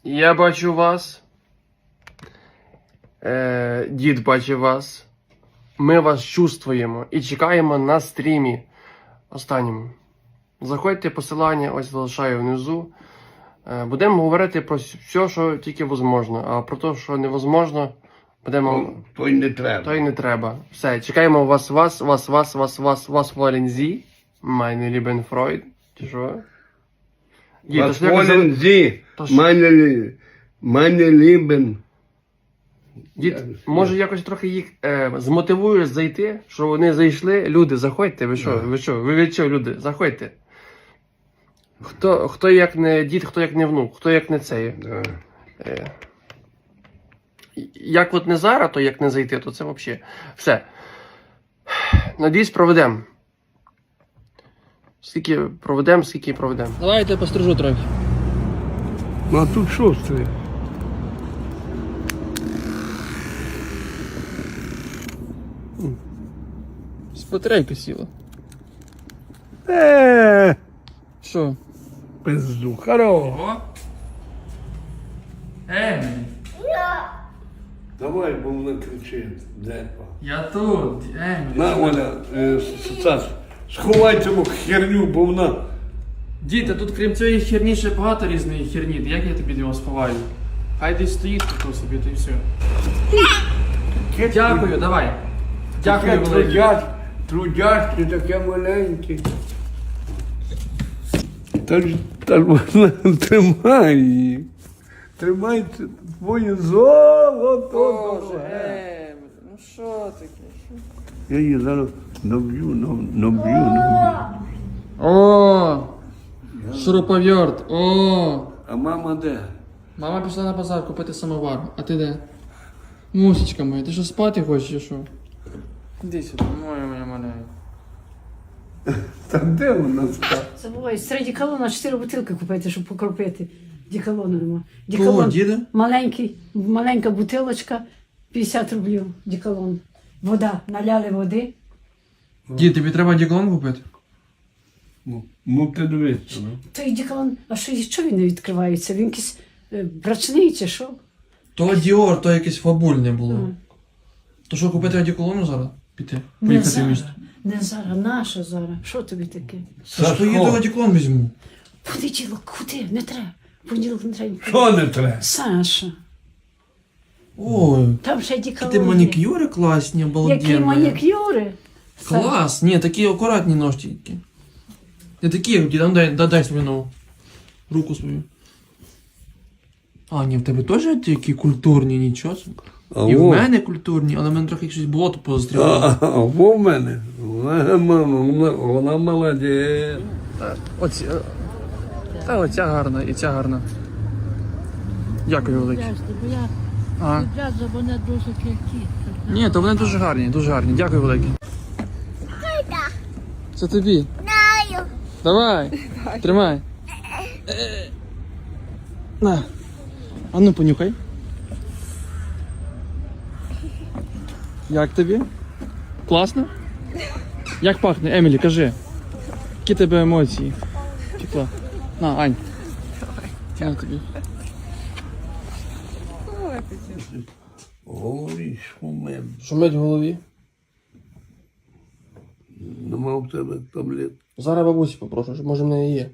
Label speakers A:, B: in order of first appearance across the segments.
A: Я бачу вас. Дід бачить вас. Ми вас чувствуємо і чекаємо на стрімі. Останньому. Заходьте, посилання ось залишаю внизу. Будемо говорити про все, що тільки можливо. А про те, що невозможно, будемо...
B: То й не треба.
A: То й не треба. Все, чекаємо вас, вас Валензі. Meine lieben Freund. Чи що? Дід,
B: Was wollen Sie, meine Lieben?
A: Дід, може якось трохи їх змотивуєш зайти, що вони зайшли. Люди, заходьте, ви що, люди, заходьте. Хто як не дід, хто як не внук, хто як не цей.
B: Да.
A: Як от не зараз, то як не зайти, то це взагалі. Все. Надіюсь, проведемо. Скільки проведемо. Давайте пострижу трохи.
B: Ну а тут що стоїть?
A: Батарейка сіла. Що?
B: Пизду, хорош. Давай, бо вона кричить.
A: Я тут,
B: На, Оля, Сас, сховай цю херню, бо вона...
A: Діти, тут крім цієї херні ще багато різної херні. Як я тобі його сховаю? Хай десь стоїть тут собі, то і все. Дякую, давай. Дякую, велике.
B: Трудяшки таке маленьке. Та ж вона тримай її. Тримай твоє золото.
A: Боже, ну що таке?
B: Я її зараз наб'ю.
A: О, шуруповерт, о.
B: А мама де?
A: Мама пішла на базар купити самовар, а ти де? Мусічка моя, ти що спати хочеш чи що? Іди сюди, моя маленька.
B: Та де вона спала?
C: Забувай, серед дікалона 4 бутилки купити, щоб покропити. Дікалону нема.
A: Кого, діда?
C: Маленька бутилочка, 50 рублів дікалон. Вода, наляли води.
A: Дід, тобі треба діклон купити?
B: Ну ти дивишся, ну.
C: Той дікалон, а що він не відкривається? Він якийсь брачний чи що?
A: То Діор, то якесь фабульне було. То що, купити одеколону зараз? Піти?
C: Не
A: Поїхати в
C: зараз,
A: місто?
C: не зараз, наша зараз. Що тобі таке?
A: Що їду одеколон візьму?
C: Понеділок, куди? Не треба. Понеділок не треба.
B: Що не треба?
C: Саша,
A: Ой,
C: там ще дікалон
A: ти
C: є.
A: манікюри класні,
C: Які
A: обалденні.
C: манікюри?
A: Клас, ні, такі акуратні ножтики. Не такі, як ті, дай свою нову. Руку свою. А, ні, в тебе теж такі культурні, нічого собі. І в мене культурні, але в мене трохи щось болото позастрілило.
B: Во в мене. Вона молодець.
A: Оця гарна і ця гарна. Дякую велике.
D: Бо я відразу вони дуже кількі.
A: Ні, то вони дуже гарні, дуже гарні. Дякую велике. Це тобі. Давай. Тримай. На. А ну понюхай. Як тобі? Класно? Як пахне, Емілі, кажи. Які тебе емоції? Тепла. На, Ань. На тобі.
B: Ой, шумем.
A: Шумить в голові.
B: Нема в тебе таблет.
A: Зараз бабусі попрошу, щоб може в неї є.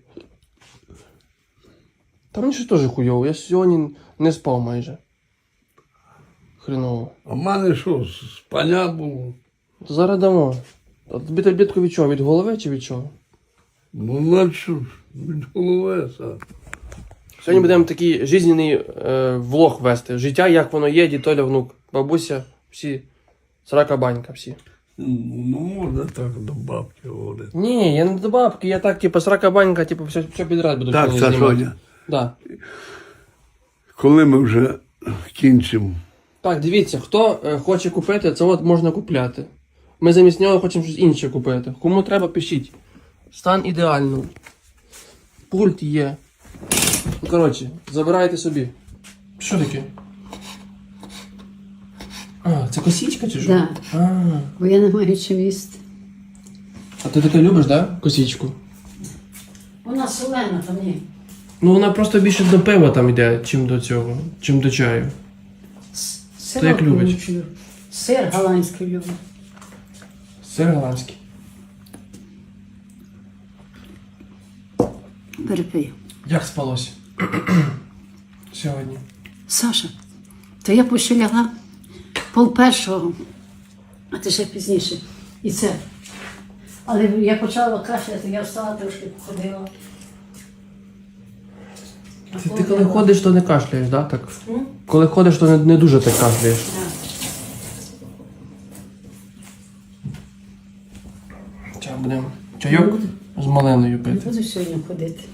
A: Та мені щось теж хуйово. Я сьогодні не спав майже. Хреново.
B: А в мене що, спання було?
A: То зараз дамо. А тобі таблетку від чого? Від голови чи від чого?
B: Ну, наче від голови, Саш.
A: Сьогодні будемо такий жизненний влог вести. Життя, як воно є, дід Толя, внук, бабуся, всі. Срака банька, всі.
B: Ну, можна так до бабки говорити.
A: Ні, я не до бабки, я так, типу, срака банька, типу, все підряд буду
B: Так,
A: сьогодні
B: Сашоня,
A: Да.
B: коли ми вже кінчимо?
A: Так, дивіться, хто хоче купити, це от можна купляти. Ми замість нього хочемо щось інше купити. Кому треба, пишіть. Стан ідеальний. Пульт є. Ну, коротше, забирайте собі. Що таке? А, це косічка чи що?
C: Да.
A: А,
C: Бо я не маю чим їсти.
A: а ти таке любиш, да? Косічку?
C: Вона солена там є.
A: Ну вона просто більше до пива там йде, чим до цього, чим до чаю.
C: Сир
A: як любить?
C: Сир голландський люблю.
A: Сир голландський.
C: Перепий.
A: Як спалося? Сьогодні.
C: Саша, то я ще лягла 12:30, а ти ще пізніше. І це. Але я почала кашляти, я встала трошки походила.
A: Ти коли ходиш, то не кашляєш, да? Так? Коли ходиш, то не дуже так кашляєш. Зараз будемо чайок з малиною
C: Не
A: пити.
C: буду сьогодні ходити.